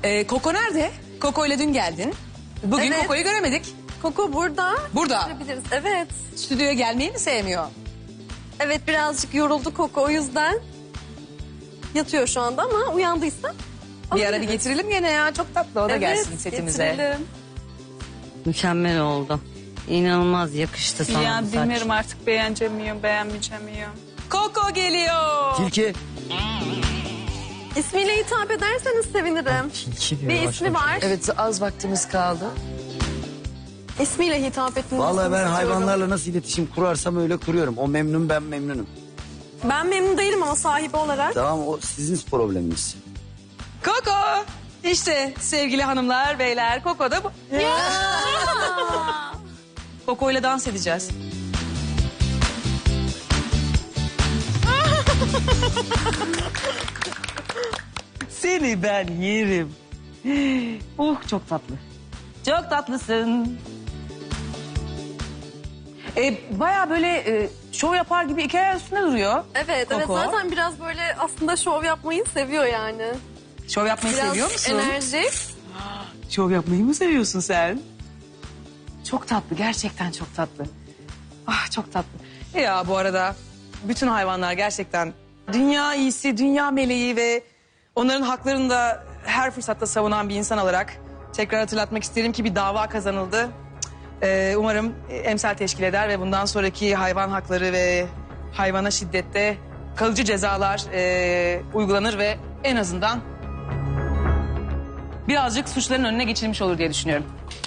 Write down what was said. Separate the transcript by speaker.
Speaker 1: Koko nerede? Koko ile dün geldin. Bugün
Speaker 2: Evet.
Speaker 1: Koko'yu göremedik.
Speaker 2: Koko burada.
Speaker 1: Burada.
Speaker 2: Görebiliriz. Evet.
Speaker 1: Stüdyoya gelmeyi mi sevmiyor?
Speaker 2: Evet, birazcık yoruldu Koko, o yüzden yatıyor şu anda ama uyandıysa
Speaker 1: Bir ara bir
Speaker 2: alabiliriz.
Speaker 1: getirelim gene ya. Çok tatlı o da gelsin setimize.
Speaker 2: Getirelim.
Speaker 3: Mükemmel oldu. İnanılmaz yakıştı sana
Speaker 4: Ya
Speaker 3: bu saç.
Speaker 4: bilmiyorum artık beğeneceğim miyim, beğenmeyeceğim miyim?
Speaker 1: Koko geliyor.
Speaker 5: Tilki.
Speaker 2: İsmiyle hitap ederseniz sevinirim.
Speaker 5: Tilki diyor.
Speaker 2: Bir ismi var.
Speaker 1: Evet az vaktimiz kaldı.
Speaker 2: İsmiyle hitap etmenizi
Speaker 5: Vallahi ben
Speaker 2: istiyorum.
Speaker 5: hayvanlarla nasıl iletişim kurarsam öyle kuruyorum. O memnun, ben memnunum.
Speaker 2: Ben memnun değilim ama sahibi olarak.
Speaker 5: Tamam, o sizin probleminiz.
Speaker 1: Koko. İşte sevgili hanımlar, beyler. Koko da bu. Koko ile dans edeceğiz.
Speaker 3: Seni ben yerim. Çok tatlı. Çok tatlısın.
Speaker 1: Baya böyle şov yapar gibi iki ayağı üstünde duruyor.
Speaker 2: Evet, evet,
Speaker 1: Koko.
Speaker 2: zaten biraz böyle aslında şov yapmayı seviyor yani.
Speaker 1: Şov yapmayı
Speaker 2: Biraz
Speaker 1: seviyor musun?
Speaker 2: enerjik.
Speaker 1: Şov yapmayı mı seviyorsun sen? Çok tatlı, gerçekten çok tatlı. Ah çok tatlı. Ya bu arada bütün hayvanlar gerçekten dünya iyisi, dünya meleği ve onların haklarını da her fırsatta savunan bir insan olarak tekrar hatırlatmak isterim ki bir dava kazanıldı. Umarım emsal teşkil eder ve bundan sonraki hayvan hakları ve hayvana şiddette kalıcı cezalar uygulanır ve en azından birazcık suçların önüne geçilmiş olur diye düşünüyorum.